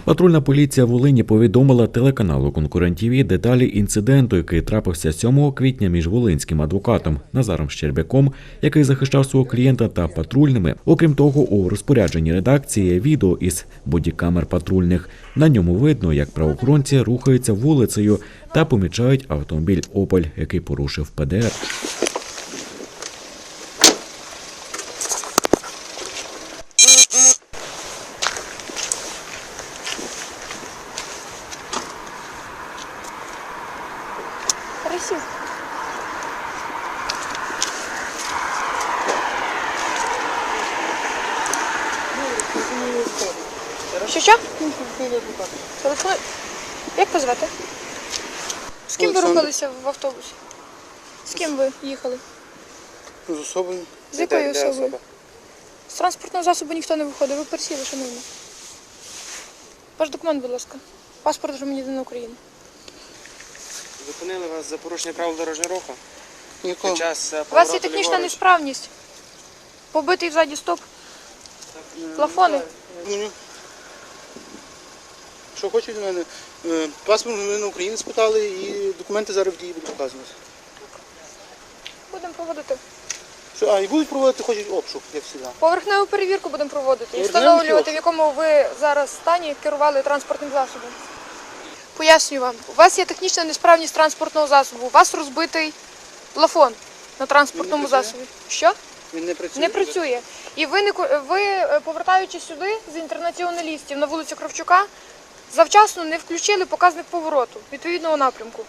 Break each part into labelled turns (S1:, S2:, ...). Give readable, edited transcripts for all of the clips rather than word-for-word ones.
S1: Патрульна поліція Волині повідомила телеканалу «Конкурент ТВ» деталі інциденту, який трапився 7 квітня між волинським адвокатом Назаром Щербяком, який захищав свого клієнта, та патрульними. Окрім того, у розпорядженні редакції є відео із бодікамер патрульних. На ньому видно, як правоохоронці рухаються вулицею та помічають автомобіль «Опель», який порушив ПДР.
S2: Красиво. Що? Телефон. Як позвати? З ким ви рухалися в автобусі? З ким ви їхали?
S3: З особою.
S2: З якою особою? З транспортного засобу ніхто не виходив. Ви пересіли, шановні. Ваш документ, будь ласка. Паспорт громадянина України.
S4: Зупинили вас за порушення правил дорожнього руху.
S3: Нікого.
S2: У вас є технічна несправність. Побитий ззаді стоп. Плафони.
S3: Що хочуть від мене? Паспорт громадянина України спитали і документи зараз в дії будуть показувати.
S2: Будемо проводити.
S3: Що, і будуть проводити, хочуть обшук, як завжди.
S2: Поверхневу перевірку будемо проводити і
S3: Поверхневу
S2: встановлювати,
S3: чи
S2: в якому ви зараз стані керували транспортним засобом. Пояснюю вам. У вас є технічна несправність транспортного засобу. У вас розбитий плафон на транспортному
S3: Він не працює?
S2: засобі. Що?
S3: Він не працює?
S2: Не працює. І ви, повертаючись сюди з інтернаціоналістів на вулицю Кравчука, завчасно не включили показник повороту відповідного напрямку.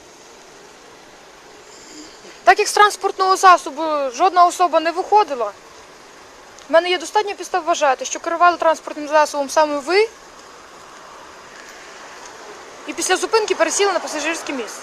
S2: Так як з транспортного засобу жодна особа не виходила, в мене є достатньо підстав вважати, що керували транспортним засобом саме ви, і після зупинки пересіли на пасажирське місце.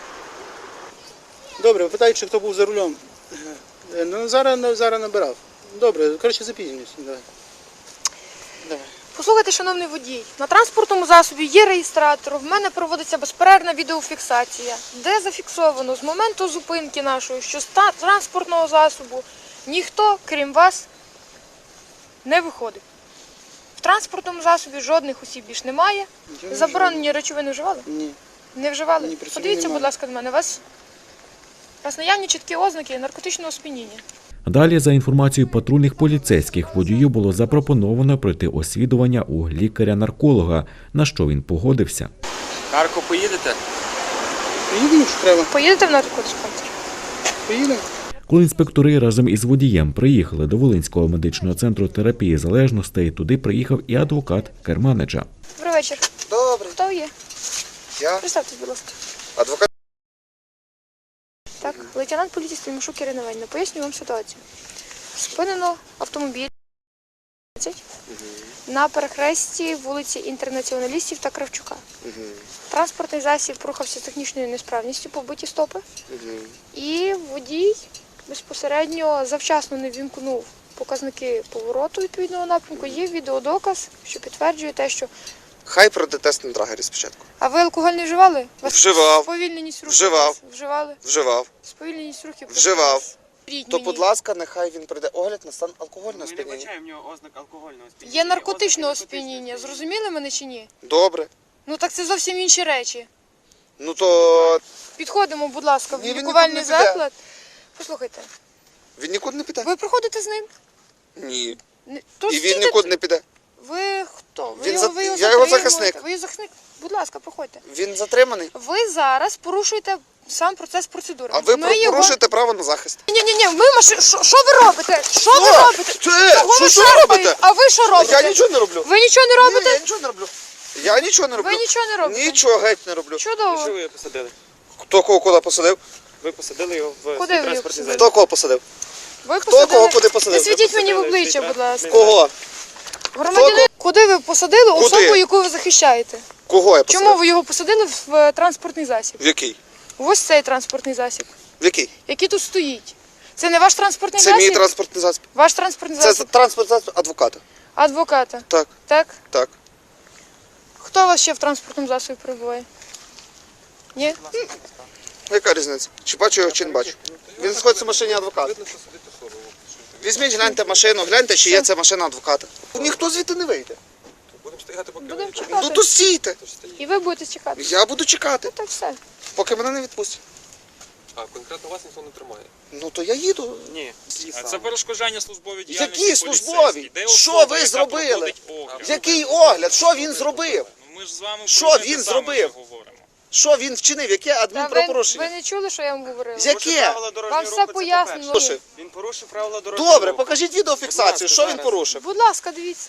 S3: Добре, питають, чи хто був за рулем. Ну, зараз набирав. Добре, коротше, запізнююсь. Давай.
S2: Послухайте, шановний водій, на транспортному засобі є реєстратор, в мене проводиться безперервна відеофіксація, де зафіксовано з моменту зупинки нашої, що з транспортного засобу ніхто, крім вас, не виходить. В транспортному засобі жодних осіб більш немає. Заборонені речовини вживали?
S3: Ні.
S2: Не вживали?
S3: Ні, при цьому
S2: Подивіться,
S3: немає.
S2: будь ласка, до мене. У вас наявні чіткі ознаки наркотичного сп'яніння.
S1: Далі, за інформацією патрульних поліцейських, водію було запропоновано пройти освідування у лікаря-нарколога, на що він погодився.
S4: Харків поїдете?
S3: Поїдемо, якщо треба.
S2: Поїдете в наркодиспансер?
S3: Поїдемо.
S1: Коли інспектори разом із водієм приїхали до Волинського медичного центру терапії залежностей, туди приїхав і адвокат керманича.
S2: Добрий вечір.
S5: Добре.
S2: Хто ви є?
S5: Я
S2: Представтесь, будь ласка.
S5: адвокат.
S2: Так, лейтенант поліції Стрімашук Ірина Іванівна. Поясню вам ситуацію. Спинено автомобіль на перехресті вулиці Інтернаціоналістів та Кравчука. Транспортний засіб рухався з технічною несправністю, побиті стопи. І водій безпосередньо завчасно не вімкнув показники повороту відповідного напрямку. Є відеодоказ, що підтверджує те, що...
S5: Хай пройде тест на драгері спочатку.
S2: А ви алкоголь не вживали? Вас
S5: Вживав.
S2: Сповільненість рухів?
S5: Вживав.
S2: Вживали?
S5: Вживав.
S2: Сповільненість рухів?
S5: Вживав.
S2: Рідь
S5: То,
S2: мені.
S5: будь ласка, нехай він пройде огляд на стан алкогольного
S4: Ми не
S5: сп'яніння.
S4: бачаємо в нього ознак алкогольного сп'яніння.
S2: Є наркотичного
S4: Ознаки
S2: сп'яніння. Зрозуміли мене чи ні?
S5: Добре.
S2: Ну так це зовсім інші речі.
S5: Ну то
S2: Підходимо, будь ласка, в
S5: Ні, він
S2: лікувальний
S5: нікуди не піде.
S2: заклад. Послухайте,
S5: він нікуди не піде?
S2: ви проходите з ним?
S5: Ні.
S2: То
S5: І він
S2: стійте-
S5: нікуди не піде.
S2: Ви хто?
S5: Я його
S2: затримуєте?
S5: захисник.
S2: Ви його захисник? Будь ласка, проходьте.
S5: Він затриманий.
S2: Ви зараз порушуєте сам процес процедури.
S5: А ви
S2: Ми його-
S5: порушуєте право на захист.
S2: Ні, ми що ви робите? Що ви робите?
S5: Це,
S2: Чого ви
S5: що
S2: шарпаєте?
S5: робите?
S2: А ви що робите?
S5: Я нічого не роблю.
S2: Ви нічого не
S5: Ні,
S2: робите?
S5: я нічого не роблю. Я нічого не роблю.
S2: Ви нічого не робите?
S5: Нічого геть не роблю.
S2: Чудово.
S4: Що ви його посадили?
S5: Хто кого куди посадив?
S4: Ви посадили його в
S2: Куди ви його
S4: транспортний
S2: посадили?
S4: засіб.
S5: Хто кого посадив?
S2: Ви
S5: Хто кого куди посадив?
S2: Не світіть мені в
S4: посадили
S2: обличчя,
S4: свій
S2: будь ласка.
S5: Кого?
S2: Громадянин, куди ви посадили
S5: Куди?
S2: особу, яку ви захищаєте?
S5: Кого я посадив?
S2: Чому ви його посадили в транспортний засіб?
S5: В який?
S2: Ось цей транспортний засіб,
S5: В який?
S2: який тут стоїть. Це не ваш транспортний
S5: Це
S2: засіб?
S5: мій транспортний засіб.
S2: Ваш транспортний
S5: Це
S2: засіб
S5: транспортний засіб адвоката.
S2: адвоката.
S5: Так,
S2: Так?
S5: так.
S2: Хто у вас ще в транспортному засобі перебуває? Ні?
S5: Яка різниця? Чи бачу його, чи не бачу? Він знаходиться в машині адвоката. Візьміть, гляньте машину, гляньте, чи є це машина адвоката. Ніхто звідти не вийде.
S6: стояти, поки
S2: Будемо
S5: Ну
S2: чекати.
S5: то стійте.
S2: І ви будете чекати.
S5: Я буду чекати,
S2: Так все.
S5: поки мене не відпустять.
S6: А конкретно вас ніхто не тримає.
S5: Ну то я їду.
S4: Ні.
S6: Це перешкоджання службової діяльності.
S5: Які службові? Що ви зробили? Який огляд? Що він зробив?
S6: Ми ж з вами
S5: Що
S6: про те
S5: він
S6: саме
S5: зробив?
S6: вже говоримо.
S5: Що він вчинив? Яке
S2: Та
S5: адмінправопорушення?
S2: ви не чули, що я вам говорила?
S5: Яке?
S2: Вам все пояснено.
S5: Слушай,
S4: Він порушив правила дорожнього
S5: добре,
S4: руху.
S5: покажіть відеофіксацію, що він порушив.
S2: Будь ласка, дивіться.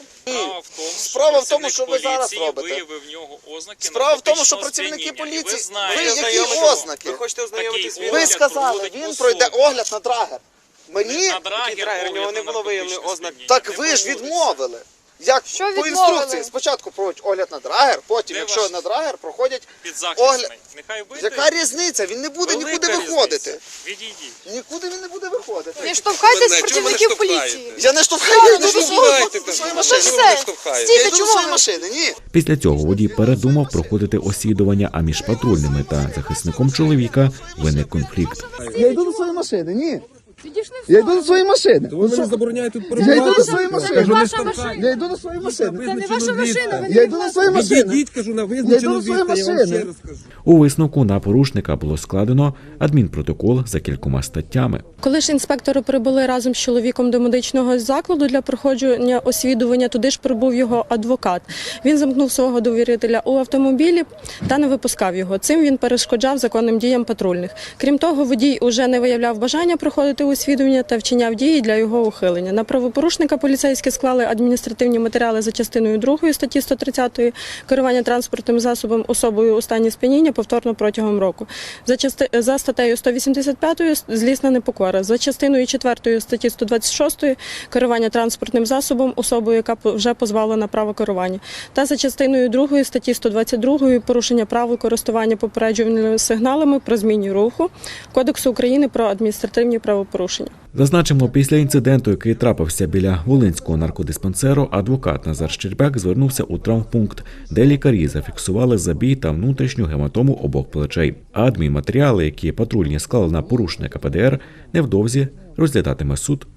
S6: Справа в тому,
S5: Справа в тому, що ви зараз
S6: працівник
S5: робите.
S6: поліції виявив в нього ознаки
S5: Справа в тому, що
S6: наркотичного
S5: працівники
S6: сп'яніння. І
S5: поліції-
S6: знаєте,
S5: ви які
S6: знайомитися-
S5: ознаки?
S4: Ви хочете ознайомитись
S6: Такий
S4: з
S5: Ви
S6: огляд
S5: сказали,
S6: проводить
S5: він
S6: особа.
S5: пройде огляд на драгер. Мені?
S6: На драгер,
S4: драгер, у нього
S6: огляд
S4: не
S6: на
S4: було виявлено
S6: наркотичне
S4: ознак.
S6: сп'яніння.
S5: Так
S6: Не
S5: ви ж
S6: проводиться.
S5: відмовили. Як
S2: Що
S5: по
S2: відмовили?
S5: інструкції, спочатку проводять огляд на драгер, потім,
S6: Де
S5: якщо
S6: ваш
S5: на драгер, проходять
S6: Підзахисний.
S5: огляд.
S6: Нехай вийде.
S5: Яка різниця? Він не буде
S6: Велика
S5: нікуди
S6: різниця.
S5: виходити.
S6: Відійдіть.
S5: Нікуди він не буде виходити.
S2: Не штовхайтесь
S6: Мене, чому ви
S2: працівників
S6: не штовхаєте?
S2: поліції.
S5: Я не штовхаю, я йду до своєї
S2: Ну
S5: машини.
S2: то все.
S5: Я
S2: Стійте,
S5: йду до
S2: чому
S5: своєї
S2: ви?
S5: машини, ні.
S1: Після цього водій передумав проходити освідування, а між патрульними та захисником чоловіка виник конфлікт.
S5: Я йду до своєї машини, ні. Я йду до своєї машини.
S7: Ви мені забороняєте тут
S5: Я йду
S7: перебувати.
S5: до своєї машини.
S2: ваша машина.
S5: Я йду до своєї машини.
S7: Це не ваша машина.
S5: Я йду до своєї машини.
S7: Відійдіть, кажу, на
S5: Я
S7: визначену
S5: йду до своєї
S7: відстань, я вам
S5: машини.
S7: ще раз кажу.
S1: У висновку на порушника було складено адмінпротокол за кількома статтями.
S8: Коли ж інспектори прибули разом з чоловіком до медичного закладу для проходження освідування, туди ж прибув його адвокат. Він замкнув свого довірителя у автомобілі та не випускав його. Цим він перешкоджав законним діям патрульних. Крім того, водій уже не виявляв бажання проходити освідування та вчиняв дії для його ухилення. На правопорушника поліцейські склали адміністративні матеріали за частиною 2 статті 130 керування транспортним засобом особою у стані сп'яніння повторно протягом року. За статтею 185 злісна непокора. За частиною 4 статті 126 керування транспортним засобом особою, яка вже позбавлена права керування. Та за частиною 2 статті 122 порушення правил користування попереджувальними сигналами про зміні руху Кодексу України про адміністративні правопорушення.
S1: Зазначимо, після інциденту, який трапився біля Волинського наркодиспансеру, адвокат Назар Щербяк звернувся у травмпункт, де лікарі зафіксували забій та внутрішню гематому обох плечей. А адмінматеріали, які патрульні склали на порушника ПДР, невдовзі розглядатиме суд.